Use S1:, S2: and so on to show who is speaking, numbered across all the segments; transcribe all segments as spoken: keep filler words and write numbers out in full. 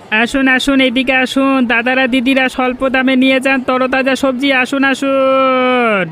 S1: আসুন আসুন, এদিকে আসুন দাদারা দিদিরা, স্বল্প দামে নিয়ে যান তরতাজা সবজি। আসুন আসুন।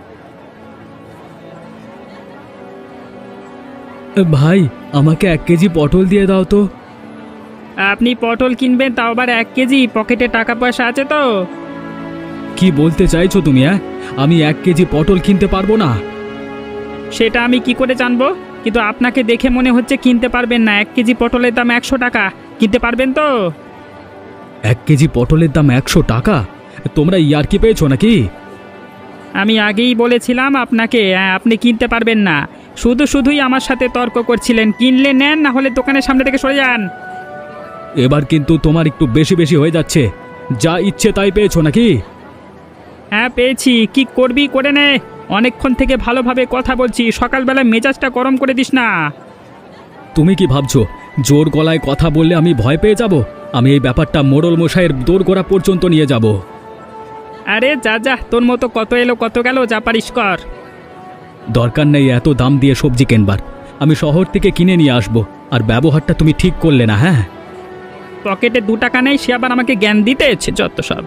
S2: ভাই, আমাকে এক কেজি পটল দিয়ে দাও তো।
S1: আপনি পটল কিনবেন, তাও আবার এক কেজি? পকেটে টাকা পয়সা আছে তো?
S2: কি বলতে চাইছো তুমি? হ্যাঁ, আমি এক কেজি পটল কিনতে পারবো না।
S1: সেটা আমি কি করে জানবো? কিন্তু আপনাকে দেখে মনে হচ্ছে কিনতে পারবেন না। এক কেজি পটলের দাম একশো টাকা, কিনতে পারবেন তো?
S2: এক কেজি পটলের দাম একশো টাকা? তোমরা ইয়ার্কি পেয়েছো নাকি?
S1: আমি আগেই বলেছিলাম আপনাকে, হ্যাঁ, আপনি কিনতে পারবেন না। শুধু শুধুই আমার সাথে তর্ক করছিলেন। কিনলে নেন, না হলে দোকানের সামনে থেকে সরে যান।
S2: এবার কিন্তু তোমার একটু বেশি বেশি হয়ে যাচ্ছে। যা ইচ্ছে তাই পেয়েছো নাকি?
S1: হ্যাঁ পেয়েছি, কি করবি করে নে। অনেকক্ষণ থেকে ভালোভাবে কথা বলছি, সকালবেলা মেজাজটা গরম করে দিস না।
S2: তুমি কি ভাবছো জোর গলায় কথা বললে আমি ভয় পেয়ে যাব? আমি এই ব্যাপারটা মোড়ল মশাইয়ের দোরগোড়া পর্যন্ত নিয়ে যাব।
S1: আরে যা যা, তোর মতো কত এলো কত গেল, যা পারিস কর।
S2: দরকার নেই এত দাম দিয়ে সবজি কেনবার। আমি শহর থেকে কিনে নিয়ে আসবো। আর ব্যবহারটা তুমি ঠিক করলে না। হ্যাঁ,
S1: পকেটে দু টাকা নেই, সে আবার আমাকে জ্ঞান দিতে এসেছে যত সব।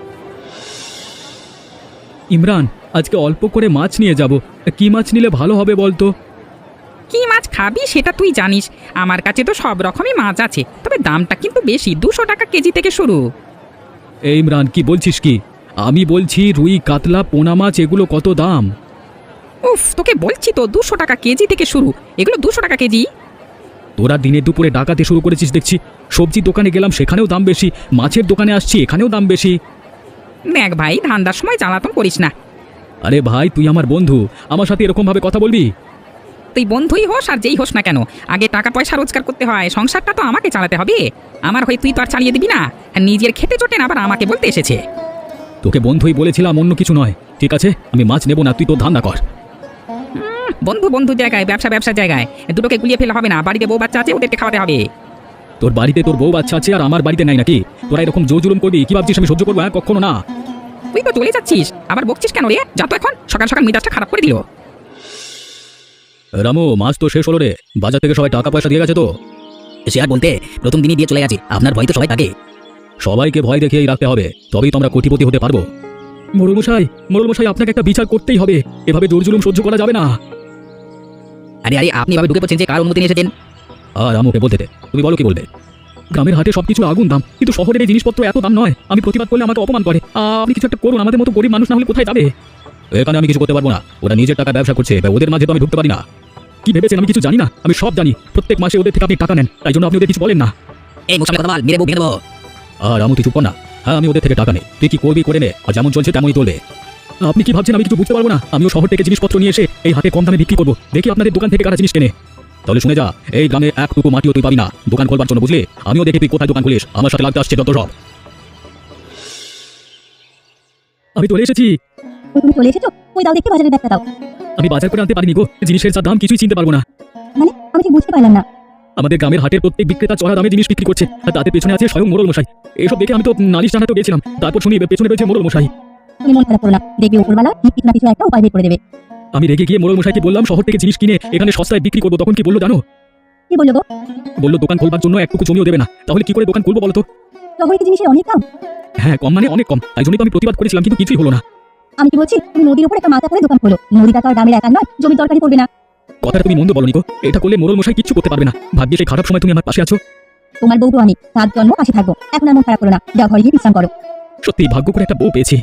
S2: ইমরান, আজকে অল্প করে মাছ নিয়ে যাব। কি মাছ নিলে ভালো হবে বলতো?
S3: কি মাছ খাবি সেটা তুই জানিস। আমার কাছে তো সব রকমই মাছ আছে, তবে দামটা কিন্তু বেশি, দুশো টাকা কেজি থেকে শুরু।
S2: এই ইমরান, কি বলছিস কি? আমি বলছি রুই কাতলা পোনা মাছ এগুলো কত দাম?
S3: উফ, তোকে বলছি তো দুশো টাকা কেজি থেকে শুরু, এগুলো দুশো টাকা কেজি।
S2: তোরা দিনে দুপুরে ডাকাতে শুরু করেছিস দেখছি। সবজির দোকানে গেলাম, সেখানেও দাম বেশি। মাছের দোকানে আসছি, এখানেও দাম বেশি।
S3: দেখ ভাই, ধান্দার সময় জ্বালাতন করিস না।
S2: আরে ভাই, তুই আমার বন্ধু, আমার সাথে এরকম ভাবে কথা বলবি?
S3: তুই বন্ধুই হোস আর যেই হোস না কেন, আগে টাকা পয়সা রোজগার করতে হয়, সংসারটা তো আমাকে চালাতে হবে। আমার হয়ে তুই তো আর চালিয়ে দিবি না। আর নিজের খেতে চটে না আবার আমাকে বলতে এসেছে।
S2: তোকে বন্ধুই বলেছিলাম, অন্য কিছু নয়। ঠিক আছে, আমি মাছ নেব না, তুই তো ধান্দা কর।
S3: বন্ধু বন্ধু জায়গায়, ব্যবসা ব্যবসার জায়গায়, দুটোকে গুলিয়ে ফেলে হবে না। বাড়িতে বউ বাচ্চা আছে, ওদেরকে খাওয়াতে হবে।
S2: তোর বাড়িতে তোর বউ বাচ্চা আছে, আর আমার বাড়িতে নাই নাকি? তোরা এরকম জোর জুলুম করবি? কি ভাবছিস আমি সহ্য করবো? হ্যাঁ, কখনো না।
S3: তুই তো চলে যাচ্ছিস, আবার বকছিস কেন রে? যা তো এখন, সকাল সকাল মেজাজটা খারাপ করে দিল।
S2: রামু, মাছ তো শেষ হলো রে। বাজার থেকে সবাই টাকা পয়সা দিয়ে গেছে তো?
S4: সে আর বলতে, প্রথম দিনই দিয়ে চলে গেছে। আপনার ভয় তো সবাই থাকে।
S2: সবাইকে ভয় দেখিয়েই রাখতে হবে, তবেই তো আমরা কোটিপতি হতে পারবো। মোড়ল মশাই, মোড়ল মশাই, আপনাকে একটা বিচার করতেই হবে। এভাবে জোর জুলুম সহ্য করা যাবে না।
S4: আরে আরে, আপনি ভাবে ঢুকে পড়ছেন যে কার অনুমতি নিয়ে এসেছেন?
S2: আর আমুকে বলতে দে, তুমি বলো কি বলবে। গ্রামের হাটে সবকিছু আগুন দাম, কিন্তু শহরের এই জিনিসপত্র এত দাম নয়। আমি প্রতিবাদ করলে আমাকে অপমান করে। আপনি কিছু একটা করুন, আমাদের মতো গরিব মানুষ না হলে কোথায় যাবে? এখানে আমি কিছু করতে পারবো না। ওরা নিজের টাকা ব্যবসা করছে, ওদের মাঝে তো আমি ঢুকতে পারি না। কি ভেবেছেন আমি কিছু জানি না? আমি সব জানি। প্রত্যেক মাসে ওদের থেকে আপনি টাকা নেন, তাই জন্য আপনি ওদের কিছু বলেন না।
S4: এই মুখ সামনে কথা বল, মেরে বউ ভেঙে দেবো।
S2: আর আমু, তুই চুপ কর না। হ্যাঁ, আমি ওদের থেকে টাকা নেই, তুই কি করবি করে নে, আর যেমন চলছে তেমনই চলবে। আপনি কি ভাবছেন আমি কিছু বুঝতে পারবো না? আমিও শহর থেকে জিনিসপত্র নিয়ে এসে এই হাটে কম দামে বিক্রি করবো। দেখি আপনাদের দোকান থেকে কারা জিনিস কেনে। তাহলে শুনে যা, এই গ্রামে একটুকু মাটিও তুই পাবি না দোকান খোলবার জন্য, বুঝলি? আমিও দেখি তুই কোথায় দোকান খুলিস। আমার সাথে লাগতে আসছে যত সব। আমি চলে এসেছি।
S5: ওই তুমি চলে এসেছো? ওই দাও দেখতে বাজারের ব্যাগটা দাও।
S2: আমি বাজার করে আনতে পারিনি গো, জিনিসের যা দাম কিছুই চিনতে পারবো না।
S5: মানে আমি ঠিক বুঝতে পারলাম না।
S2: আমাদের গ্রামের হাটের প্রত্যেক বিক্রেতা চড়া দামে জিনিস বিক্রি করছে, আর তাদের পেছনে আছে স্বয়ং মোড়ল মশাই। এসব দেখে আমি তো নালিশ জানাতে গেছিলাম, তারপর শুনি পেছনে রয়েছে মোড়ল মশাই।
S5: তুমি মন খারাপ করো না, দেখবে উপরবেলা ঠিক কিছু না কিছু একটা উপায় বের করে দেবে।
S2: আমি রেগে গিয়ে মোড়ল মশাইকে বললাম শহর থেকে জিনিস কিনে এখানে সস্তায় বিক্রি করবো। তখন কি বললো জানো?
S5: কি বললো গো?
S2: বললো দোকান খোলবার জন্য একটুকু জমিও দেবে না। তাহলে কি করে দোকান খুলবো বলো তো?
S5: শহরে কি জিনিসের অনেক দাম?
S2: হ্যাঁ, কম মানে অনেক কম। তাই জন্যই তো আমি প্রতিবাদ করেছিলাম, কিন্তু কিছুই হলো না।
S5: আমি কি বলছি, তুমি নদীর উপর একটা মাথা করে দোকান খোলো। নদীটা তো আর গ্রামের একা নয়, জমি তরকারি পড়বে না।
S2: কথাটা তুমি মন্দ বলনি গো। এটা করলে মোড়ল মশাই কিচ্ছু করতে পারবে না। ভাগ্যে সেই খারাপ সময় তুমি আমার পাশে আছো।
S5: তোমার বউ তো আমি, সাত জন্ম পাশে থাকবো। এখন আর মন খারাপ করো না, যাও ঘরে গিয়ে বিশ্রাম করো।
S2: সত্যি ভাগ্য করে একটা বউ পেয়েছি।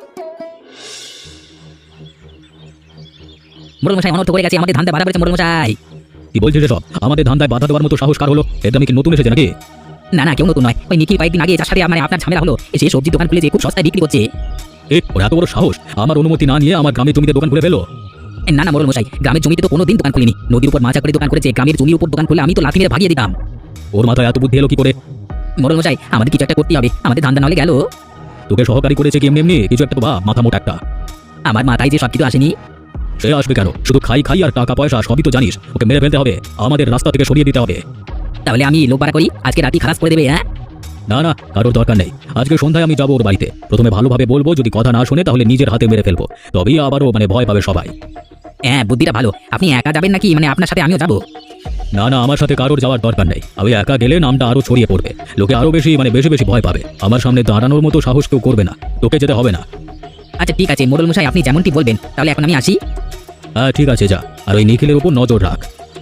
S4: মোড়ল মশাই অনর্থ করে গেছে, আমাদের ধান্দা বাড়া করেছে মোড়ল মশাই।
S2: কি বলছিস এসব? আমাদের ধান্দায় বাধা দেওয়ার মতো সাহস কার হলো? এটা আমি কি নতুন এসেছে নাকি?
S4: না না, কেউ নতুন নয়। ওই নিখিল কয়েকদিন আগে যার সাথে মানে আপনার ঝামেলা হলো, সে সবজি দোকান খুলে যে খুব সস্তায় বিক্রি করছে।
S2: এ, ওর এত বড় সাহস আমার অনুমতি না নিয়ে আমার গ্রামের জমিতে দোকান খুলে ফেলো?
S4: না না মোড়ল মশাই, গ্রামের জমিতে তো কোনোদিন দোকান খুলিনি। নদীর উপর মাছা করে দোকান করেছে, গ্রামের জমির উপর দোকান খুলে আমি তো লাথি মেরে ভাগিয়ে দিতাম।
S2: ওর মাথায় এত বুদ্ধি এলো কি করে?
S4: মোড়ল মশাই, আমাদের কিছু একটা করতে হবে, আমাদের ধান্দা নাহলে গেল।
S2: তোকে সহকারী করেছে কি এমনি এমনি? কিছু একটা তো ভাব, মাথা মোটা একটা।
S4: আমার মাথায় যে সব কিছু আসেনি।
S2: সে আসবে কেন? শুধু খাই খাই আর টাকা পয়সা সবই তো জানিস। ওকে মেরে ফেলতে হবে, আমাদের রাস্তা থেকে সরিয়ে দিতে হবে।
S4: তাহলে আমি লোক ভাড়া করি, আজকে রাতি খালাস করে দেবে। হ্যাঁ
S2: না না, কারোর দরকার নেই। আজকে সন্ধ্যায় আমি যাবো ওর বাড়িতে। প্রথমে ভালোভাবে বলবো, যদি কথা না শোনে তাহলে নিজের হাতে মেরে ফেলবো। তবেই আবারও মানে ভয় পাবে সবাই।
S4: হ্যাঁ, বুদ্ধিটা ভালো। আপনি একা যাবেন নাকি, মানে আপনার সাথে আমিও যাবো?
S2: না না, আমার সাথে কারোর যাওয়ার দরকার নেই। আমি একা গেলে নামটা আরো ছড়িয়ে পড়বে, লোকে আরো বেশি মানে বেশি বেশি ভয় পাবে। আমার সামনে দাঁড়ানোর মতো সাহস কেউ করবে না, তোকে যেতে হবে না।
S4: আচ্ছা ঠিক আছে মোড়ল মশাই, আপনি যেমনটি বলবেন, তাহলে এখন আমি আসি।
S2: হ্যাঁ ঠিক আছে, যা। আর ওই নিখিলের উপর নজর রাখ।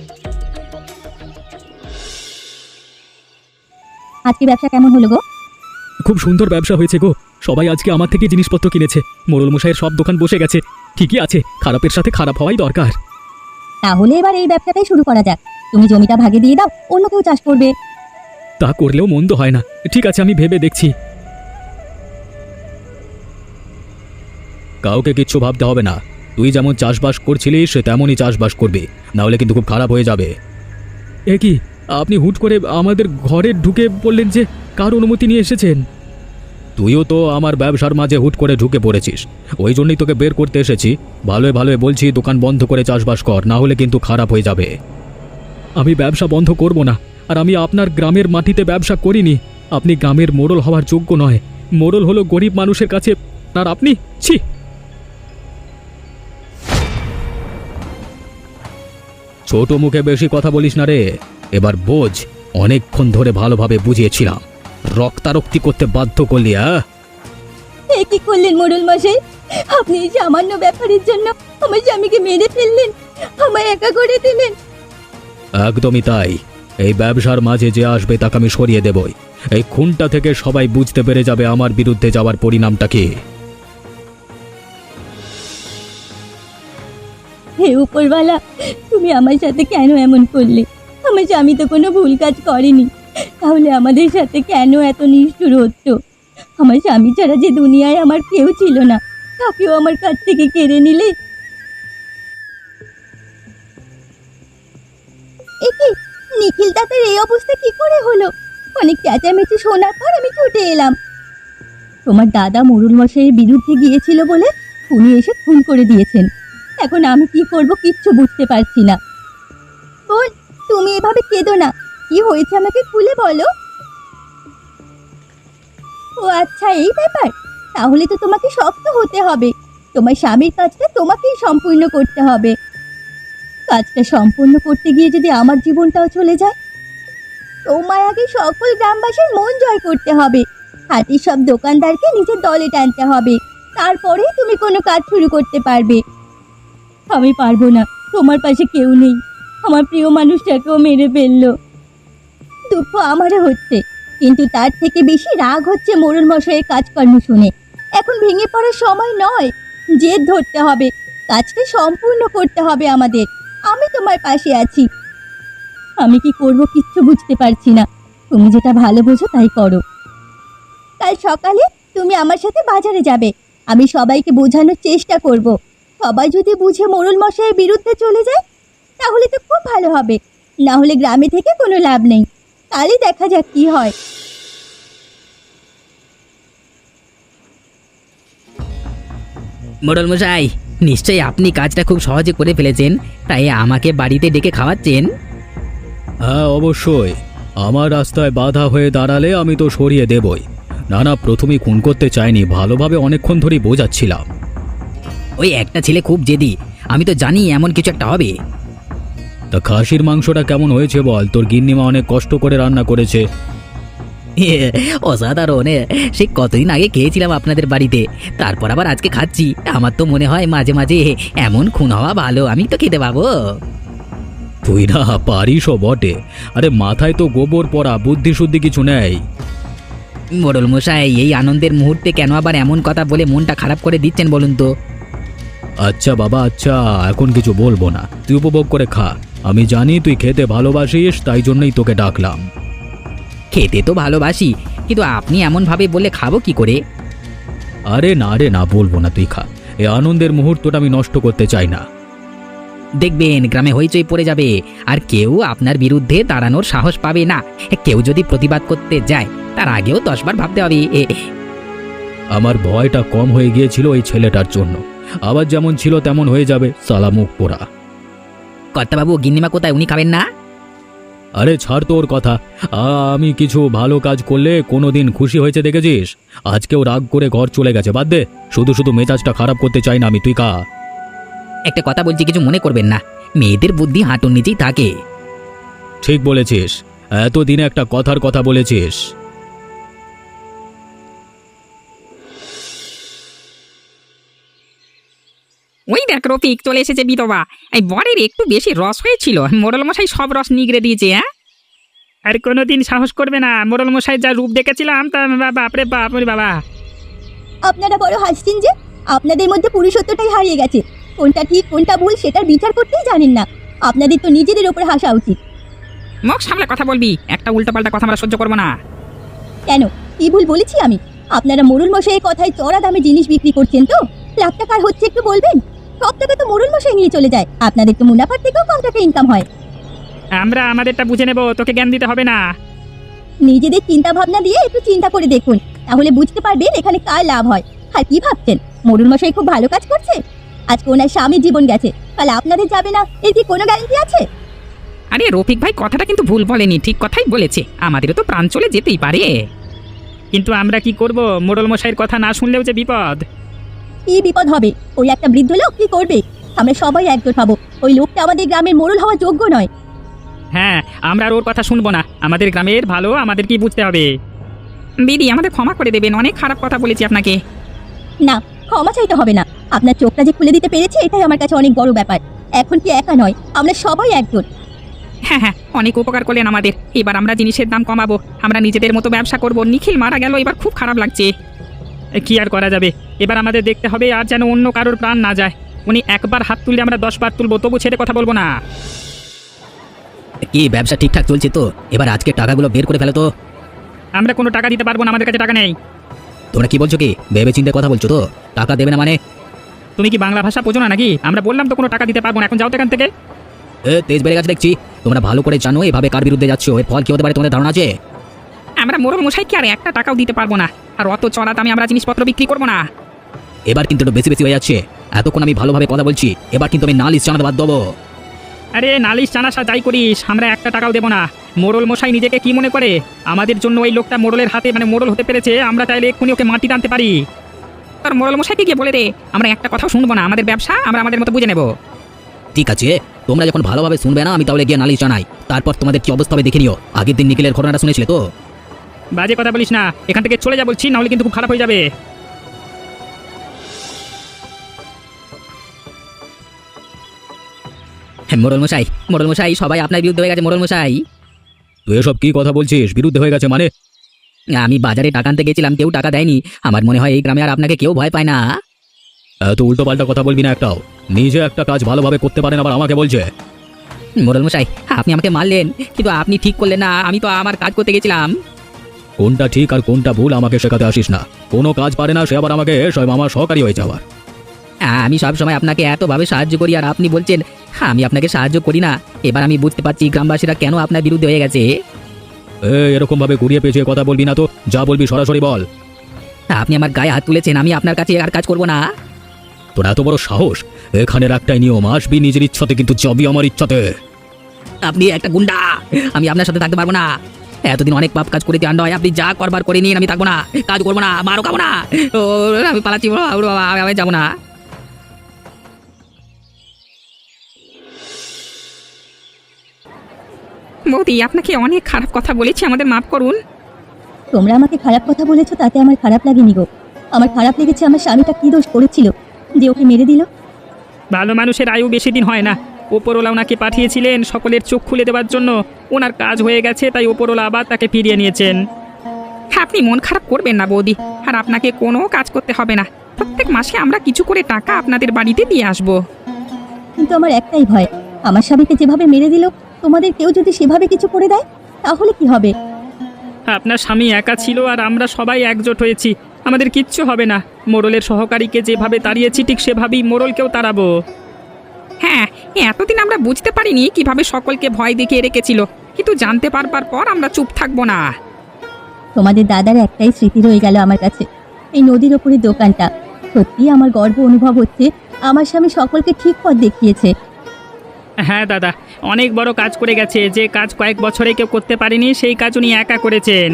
S5: আজকে ব্যবসা কেমন হলো গো?
S2: খুব সুন্দর ব্যবসা হয়েছে গো, সবাই আজকে আমার থেকে জিনিসপত্র কিনেছে। মোড়ল মশাইয়ের সব দোকান বসে গেছে। ঠিকই আছে, খারাপের সাথে খারাপ হওয়াই দরকার।
S5: তাহলে এবার এই ব্যবসাটাই শুরু করা যাক। তুমি জমিটা ভাগে দিয়ে দাও, অন্য কেউ চাষ করবে।
S2: তা করলেও মন্দ হয় না। ঠিক আছে, আমি ভেবে দেখছি। কাউকে কিচ্ছু ভাবতে হবে না, তুই যেমন চাষবাস করছিলিস সে তেমনই চাষবাস করবি, না হলে কিন্তু খুব খারাপ হয়ে যাবে। এ কি, আপনি হুট করে আমাদের ঘরে ঢুকে বললেন যে কার অনুমতি নিয়ে এসেছেন? তুইও তো আমার ব্যবসার মাঝে হুট করে ঢুকে পড়েছিস, ওই জন্যই তোকে বের করতে এসেছি। ভালোই ভালোই বলছি, দোকান বন্ধ করে চাষবাস কর, না হলে কিন্তু খারাপ হয়ে যাবে। আমি ব্যবসা বন্ধ করব না, আর আমি আপনার গ্রামের মাটিতে ব্যবসা করিনি। আপনি গ্রামের মোড়ল হওয়ার যোগ্য নয়। মোড়ল হলো গরিব মানুষের কাছে, আর আপনি ছি। ছোট মুখে বেশি কথা বলিস না রে, এবার বোঝ। অনেকক্ষণ ধরে ভালোভাবে বুঝিয়েছিলাম, রক্তারক্তি করতে বাধ্য করলি। হ্যাঁ,
S5: এ কি করলেন মোড়ল মশাই? আপনি এই সামান্য ব্যাপারের জন্য আমার স্বামীকে মেরে ফেললেন, আমায় একা করে দিলেন।
S2: একদমই তাই। এই ব্যবসার মাঝে যে আসবে তাকে আমি সরিয়ে দেবই। এই খুনটা থেকে সবাই বুঝতে পেরে যাবে আমার বিরুদ্ধে যাওয়ার পরিণামটা কি।
S5: হে উপরওয়ালা, তুমি আমার সাথে কেন এমন করলে? আমার স্বামী তো কোনো ভুল কাজ করেনি, তাহলে আমাদের সাথে কেন এত নিষ্ঠুর হতো? আমার স্বামী ছাড়া যে দুনিয়ায় আমার কেউ ছিল না, তাকেও আমার কাছ থেকে কেড়ে নিলে। এ কি, নিখিল দাদার এই অবস্থা কি করে হলো? অনেক চেঁচামেচি শোনার পর আমি ছুটে এলাম। তোমার দাদা মোড়ল মশাইয়ের বিরুদ্ধে গিয়েছিল বলে উনি এসে খুন করে দিয়েছেন। এখন আমি কি করব কিচ্ছু বুঝতে পারছি না। বোন, তুমি এভাবে কেঁদো না, কি হয়েছে আমাকে খুলে বলো। ও আচ্ছা, এই ব্যাপার। তাহলে তো তোমাকে শক্ত হতে হবে। তোমার স্বামীর কাজটা তোমাকেই সম্পূর্ণ করতে হবে। কাজটা সম্পূর্ণ করতে গিয়ে যদি আমার জীবনটাও চলে যায়? তোমার আগে সকল গ্রামবাসীর মন জয় করতে হবে, হাতির সব দোকানদারকে নিজের দলে টানতে হবে, তারপরেই তুমি কোনো কাজ শুরু করতে পারবে। আমি পারবো না, তোমার পাশে কেউ নেই। আমার প্রিয় মানুষটাকেও মেরে ফেললো। দুঃখ আমারও হচ্ছে, কিন্তু তার থেকে বেশি রাগ হচ্ছে মোড়ল মশাইয়ের কাজকর্ম শুনে। এখন ভেঙে পড়ার সময় নয়, জেদ ধরতে হবে, কাজটা সম্পূর্ণ করতে হবে আমাদের। আমি তোমার পাশে আছি। আমি কি করব কিচ্ছু বুঝতে পারছি না। তুমি যেটা ভালো বোঝো তাই করো। কাল সকালে তুমি আমার সাথে বাজারে যাবে। আমি সবাইকে বোঝানোর চেষ্টা করব। সবাই যদি বুঝে মোড়ল মশাইয়ের বিরুদ্ধে চলে যায় তাহলে তো খুব ভালো হবে, না হলে গ্রামে থেকে কোনো লাভ নেই। কালই দেখা যাক কি হয়।
S4: মোড়ল মশাই, নিশ্চয়ই আপনি কাজটা খুব সহজে করে ফেলেছেন, তাই আমাকে বাড়িতে ডেকে খাওয়াচ্ছেন।
S2: হ্যাঁ অবশ্যই, আমার রাস্তায় বাধা হয়ে দাঁড়ালে আমি তো সরিয়ে দেবই। না না, প্রথমেই খুন করতে চাইনি, ভালোভাবে অনেকক্ষণ ধরেই বোঝাচ্ছিলাম।
S4: ওই একটা ছেলে খুব জেদি, আমি তো জানি এমন কিছু একটা হবে।
S2: তা খাসির মাংসটা কেমন হয়েছে বল? তোর গিন্নিমা অনেক কষ্ট করে রান্না করেছে।
S4: অসাধারণ, সে কতদিন আগে খেয়েছিলাম আপনাদের বাড়িতে, তারপর আবার আজকে খাচ্ছি। আমার তো মনে হয় মাঝে মাঝে এমন খুন হওয়া ভালো, আমি তো খেতে পাবো।
S2: তুই না পারিসও বটে, আরে মাথায় তো গোবর পড়া, বুদ্ধি শুদ্ধি কিছু নেই।
S4: মোড়ল মশাই, এই আনন্দের মুহূর্তে কেন আবার এমন কথা বলে মনটা খারাপ করে দিচ্ছেন বলুন তো?
S2: আচ্ছা বাবা, আচ্ছা এখন কিছু বলবো না, তুই উপভোগ করে খা। আমি জানি তুই খেতে ভালোবাসিস, তাই জন্যই তোকে ডাকলাম।
S4: খেতে তো ভালোবাসি, কিন্তু আপনি এমন ভাবে বললে খাবো কি করে?
S2: আরে না রে না, বলবো না, তুই খা। এই আনন্দের মুহূর্তটা আমি নষ্ট করতে চাই না।
S4: দেখবেন গ্রামে হইচই পড়ে যাবে, আর কেউ আপনার বিরুদ্ধে দাঁড়ানোর সাহস পাবে না। কেউ যদি প্রতিবাদ করতে যায় তার আগেও দশবার ভাবতে হবে।
S2: আমার ভয়টা কম হয়ে গিয়েছিল ওই ছেলেটার জন্য, আবার যেমন ছিল তেমন হয়ে যাবে, সালা মুখ পোড়া।
S4: কর্তাবাবু, গিন্নিমা কোথায়? উনি খাবেন না?
S2: আরে ছাড় তোর কথা। আমি কিছু ভালো কাজ করলে কোনোদিন খুশি হয়েছে দেখেছিস? আজকেও রাগ করে ঘর চলে গেছে, বাদ দে। শুধু শুধু মেজাজটা খারাপ করতে চাই না আমি, তুই খা।
S4: একটা কথা বলছি, কিছু মনে করবেন না, মেয়েদের বুদ্ধি হাঁটুর নিচেই থাকে।
S2: ঠিক বলেছিস, এতদিনে একটা কথার কথা বলেছিস।
S3: ওই দেখ রফিক চলে এসেছে বিধবা। এই বরের একটু বেশি রস হয়েছিল, মোড়ল মশাই সব রস নিগড়ে দিয়েছে। হ্যাঁ,
S1: আর কোনোদিন সাহস করবে না, মোড়ল মশাই যা রূপ দেখেছিলাম তা বাপরে বাপ রে বাবা।
S5: আপনারা বড় হাসছেন যে, আপনাদের মধ্যে পুরুষত্বটাই হারিয়ে গেছে। কোনটা ঠিক কোনটা ভুল সেটার বিচার করতেই জানেন না। আপনাদের তো নিজেদের ওপর হাসা উচিত।
S3: মুখ সামলে কথা বলবি, একটা উল্টোপাল্টা কথা আমরা সহ্য করবো না।
S5: কেন, কি ভুল বলেছি আমি? আপনারা মোড়ল মশাইয়ের কথায় চড়া দামে জিনিস বিক্রি করছেন তো? লাখ টাকার হচ্ছে একটু বলবেন? সব টাকা তো মোড়ল মশাই নিয়ে চলে যায়, আপনাদের তো মুনাফার থেকেও কম টাকা ইনকাম হয়।
S1: আমরা আমাদেরটা বুঝে নেব, তোকে জ্ঞান দিতে হবে না।
S5: নিজেদের চিন্তা ভাবনা দিয়ে একটু চিন্তা করে দেখুন, তাহলে বুঝতে পারবেন এখানে কার লাভ হয়। আর কি ভাবছেন মোড়ল মশাই খুব ভালো কাজ করছে? আজকে ওনার স্বামীর জীবন গেছে, কাল আপনাদের যাবে না, এর কি কোনো গ্যারান্টি আছে?
S3: আরে রফিক ভাই কথাটা কিন্তু ভুল বলেনি, ঠিক কথাই বলেছে। আমাদেরও তো প্রাণ চলে যেতেই পারে।
S1: কিন্তু আমরা কি করব, মোড়ল মশাইয়ের কথা না শুনলেও যে বিপদ।
S5: কি বিপদ হবে? ওই একটা বৃদ্ধ লোক কি করবে? আমরা সবাই একজোট হব। ওই লোকটা আমাদের গ্রামের মোড়ল হওয়ার যোগ্য নয়।
S1: হ্যাঁ, আমরা আর ওর কথা শুনবো না। আমাদের গ্রামের ভালো আমাদের কি বুঝতে হবে।
S3: দিদি আমাদের ক্ষমা করে দেবেন, অনেক খারাপ কথা বলেছি আপনাকে।
S5: না, ক্ষমা চাইতে হবে না। আপনার চোখটা যে খুলে দিতে পেরেছে এটাই আমার কাছে অনেক বড় ব্যাপার। এখন কি একা নয়, আমরা সবাই একজোট।
S3: হ্যাঁ হ্যাঁ, অনেক উপকার করলেন আমাদের। এবার আমরা জিনিসের দাম কমাবো, আমরা নিজেদের মতো ব্যবসা করব। নিখিল মারা গেল, এবার খুব খারাপ লাগছে।
S1: এ, কি আর করা যাবে, এবার আমাদের দেখতে হবে আর যেন অন্য কারোর প্রাণ না যায়। উনি একবার হাত তুললে আমরা দশ বার তুলবো, তবু ছেড়ে কথা বলবো না।
S4: কি ব্যবসা ঠিকঠাক চলছে তো? এবার আজকে টাকাগুলো বের করে ফেলো তো।
S1: আমরা কোনো টাকা দিতে পারবো না, আমাদের কাছে টাকা নেই।
S4: তোমরা কি বলছো? কি ভেবে চিন্তে কথা বলছো তো? টাকা দেবে না মানে?
S1: তুমি কি বাংলা ভাষা বোঝো না নাকি? আমরা বললাম তো কোনো টাকা দিতে পারবো না, এখন যাও তো এখান থেকে।
S4: এ তেজ বেড়ে গেছে দেখছি। তোমরা ভালো করে জানো এভাবে কার বিরুদ্ধে যাচ্ছ, এর ফল কি হতে পারে তোমাদের ধারণা আছে?
S3: আমরা মোড়ল মশাইকে আর একটা টাকাও দিতে পারবো না, আর অত চড়া দামে আমরা জিনিসপত্র বিক্রি করবো না।
S4: এবার কিন্তু একটু বেশি বেশি হয়ে যাচ্ছে। এতক্ষণ আমি ভালোভাবে কথা বলছি, এবার কিন্তু আমি নালিশ জানাতে বাধ্য হবো।
S1: আরে নালিশ জানাসা যাই করিস, আমরা একটা টাকাও দেবো না। মোড়ল মশাই নিজেকে কি মনে করে? আমাদের জন্য ওই লোকটা মোড়লের হাতে মানে মোড়ল হতে পেরেছে, আমরা চাইলে এক্ষুনি ওকে মাটি টানতে পারি।
S3: তোর মোড়ল মশাইকে গিয়ে বলে দে আমরা একটা কথাও শুনবো না, আমাদের ব্যবসা আমরা আমাদের মতো বুঝে নেবো।
S4: ঠিক আছে, তোমরা যখন ভালোভাবে শুনবে না, আমি তাহলে গিয়ে নালিশ জানাই। তারপর তোমাদের কি অবস্থা হবে দেখে নিও। আগের দিন নিখিলের ঘটনাটা শুনেছিলে তো?
S1: বাজে কথা বলিস না, এখান থেকে চলে যা বলছি, নাহলে কিন্তু খুব খারাপ হয়ে যাবে।
S4: হ্যাঁ, মোড়ল মশাই, মোড়ল মশাই, সবাই আপনার বিরুদ্ধে হয়ে গেছে। মোড়ল মশাই,
S2: তুই এসব কি কথা বলছিস? বিরুদ্ধে হয়ে গেছে মানে?
S4: আমি বাজারে টাকা আনতে গেছিলাম, কেউ টাকা দেয়নি। আমার মনে হয় এই গ্রামে আর আপনাকে কেউ ভয় পায় না।
S2: এত উল্টো পাল্টা কথা বলবি না একটাও। নিজে একটা কাজ ভালোভাবে করতে পারেন, আবার আমাকে বলছে।
S4: মোড়ল মশাই, আপনি আমাকে মারলেন, কিন্তু আপনি ঠিক করলেন না। আমি তো আমার কাজ করতে গেছিলাম।
S2: কোনটা ঠিক আর কোনটা ভুল আমাকে শেখাতে আসিস না। কোনো কাজ পারে না সে আবার আমাকে সব আমার সহকারী হয়ে যাওয়ার।
S4: আমি সব সময় আপনাকে এতভাবে সাহায্য করি, আর আপনি বলছেন আমি আপনাকে সাহায্য করি না। এবার আমি বুঝতে পারছি গ্রামবাসীরা কেন আপনার বিরুদ্ধে হয়ে গেছে।
S2: এই এরকম ভাবে ঘুরিয়ে পেঁচিয়ে কথা বলবি না তো, যা বলবি সরাসরি বল।
S4: আপনি আমার গায়ে হাত তুলেছেন, আমি আপনার কাছে আর কাজ করব না।
S2: তোর এত বড় সাহস! এখানের একটাই নিয়ম, আসবি নিজের ইচ্ছাতে, কিন্তু যাবি আমার ইচ্ছাতে।
S4: আপনি একটা গুন্ডা, আমি আপনার সাথে থাকতে পারবো না। এতদিন অনেক পাপ কাজ করেছি, আর নয় আপনি যা করবার করে নিন, আমি থাকবো না, কাজ করবো না, মারও খাবো না। ও, আমি পালাচ্ছি বাবা, বাবা, আমি যাবো না।
S3: বৌদি আপনাকে অনেক খারাপ কথা বলেছি, আমাদের মাফ করুন।
S5: তোমরা আমাকে খারাপ কথা বলেছো, তাতে আমার খারাপ লাগেনি গো। আমার খারাপ লেগেছে আমার স্বামীটা কি দোষ করেছিল যে ওকে মেরে দিল।
S1: ভালো মানুষের আয়ু বেশি দিন হয় না। ওপরওয়ালা ওনাকে পাঠিয়েছিলেন সকলের চোখ খুলে দেওয়ার জন্য, ওনার কাজ হয়ে গেছে, তাই ওপরওয়ালা আবার তাকে ফিরিয়ে নিয়েছেন।
S3: আপনি মন খারাপ করবেন না বৌদি, আর আপনাকে কোনো কাজ করতে হবে না। প্রত্যেক মাসে আমরা কিছু করে টাকা আপনাদের বাড়িতে দিয়ে আসবো।
S5: কিন্তু আমার একটাই ভয়, আমার স্বামীকে যেভাবে মেরে দিল, তোমাদের কেউ যদি সেভাবে কিছু করে দেয় তাহলে কি হবে?
S1: আপনার স্বামী একা ছিল আর আমরা সবাই একজোট হয়েছি, আমাদের কিচ্ছু হবে না। মোড়লের সহকারীকে যেভাবে তাড়িয়েছি ঠিক সেভাবেই মোড়লকেও তাড়াবো।
S3: হ্যাঁ, এতদিন আমরা বুঝতে পারিনি কিভাবে সকলকে ভয় দেখিয়ে রেখেছিল, কিন্তু জানতে পারবার পর আমরা চুপ থাকবো না।
S5: তোমাদের দাদার একটাই স্মৃতি রয়ে গেল আমার কাছে, এই নদীর ওপরের দোকানটা। সত্যি আমার গর্ব অনুভব হচ্ছে, আমার স্বামী সকলকে ঠিক পথ দেখিয়েছে।
S1: হ্যাঁ দাদা, অনেক বড় কাজ করে গেছে, যে কাজ কয়েক বছরে কেউ করতে পারেনি সেই কাজ উনি একা করেছেন।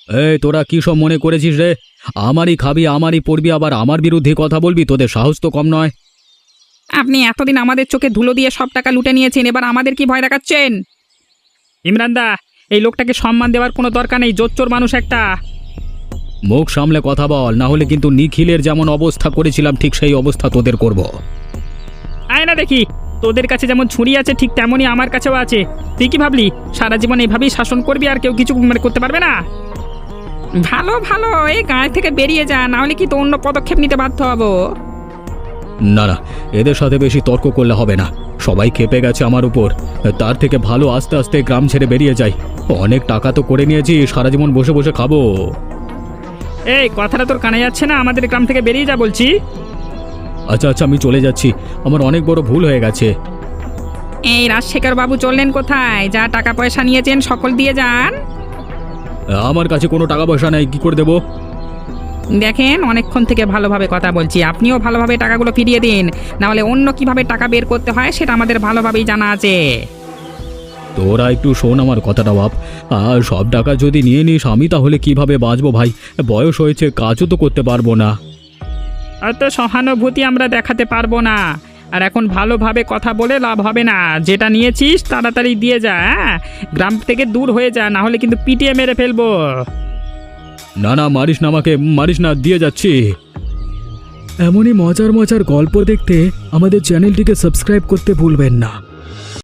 S2: এই তোরা কি সব মনে করেছিস রে? আমারই খাবি, আমারই পড়বি, আবার আমার বিরুদ্ধে কথা বলবি? তোদের সাহস তো কম নয়।
S3: আপনি এতদিন আমাদের চোখে ধুলো দিয়ে সব টাকা লুটে নিয়েছেন, এবার আমাদের কি ভয় দেখাচ্ছেন?
S1: ইমরান দা, এই লোকটাকে সম্মান দেওয়ার কোনো দরকার নেই, জোচ্চোর মানুষ একটা।
S2: মুখ সামলে কথা বল, না হলে কিন্তু নিখিলের যেমন অবস্থা করেছিলাম ঠিক সেই অবস্থা তোদের করব।
S1: আয় না দেখি, তোদের কাছে যেমন ছুরি আছে ঠিক তেমনই আমার কাছেও আছে। তুই কি ভাবলি সারা জীবন এইভাবেই শাসন করবি আর কেউ কিছু মানে করতে পারবে না?
S3: ভালো ভালো, এই গায়ে থেকে বেরিয়ে যা, না হলে কি তো অন্য পদক্ষেপ নিতে বাধ্য হব।
S2: না না, এদের সাথে বেশি তর্ক করলে হবে না। সবাই খেপে গেছে আমার উপর। তার থেকে ভালো আস্তে আস্তে গ্রাম ছেড়ে বেরিয়ে যাই। অনেক টাকা তো করে নিয়েছি, সারা জীবন বসে বসে খাবো।
S1: এই কথাটা তোর কানে যাচ্ছে না? আমাদের গ্রাম থেকে বেরিয়ে যা বলছি।
S2: আচ্ছা আচ্ছা, আমি চলে যাচ্ছি, আমার অনেক বড় ভুল হয়ে গেছে।
S3: এই রাজশেখর বাবু চললেন কোথায়? যা টাকা পয়সা নিয়েছেন সকল দিয়ে যান।
S2: আমার কাছে কোনো টাকা পয়সা নেই, কি করে দেবো?
S3: দেখেন অনেকক্ষণ থেকে ভালোভাবে কথা বলছি, আপনিও ভালোভাবে টাকাগুলো ফিরিয়ে দিন, না হলে অন্য কিভাবে টাকা বের করতে হয় সেটা আমাদের ভালোভাবেই জানা আছে।
S2: তোরা একটু শোন আমার কথাটা বাপ। আর সব টাকা যদি নিয়ে নিস, আমি তাহলে কিভাবে বাঁচবো ভাই? বয়স হয়েছে, কাজও তো করতে পারবো না।
S1: অত সহানুভূতি আমরা দেখাতে পারবো না। আর এখন ভালোভাবে কথা বলে লাভ হবে না। যেটা নিয়েছিস তাড়াতাড়ি দিয়ে যা, হ্যাঁ? গ্রাম থেকে দূর হয়ে যা, না হলে কিন্তু পিটিয়ে মেরে ফেলবো।
S2: না না, মারিস না আমাকে, মারিস না, দিয়ে যাচ্ছি। এমনই মজার মজার গল্প দেখতে আমাদের চ্যানেলটিকে সাবস্ক্রাইব করতে ভুলবেন না।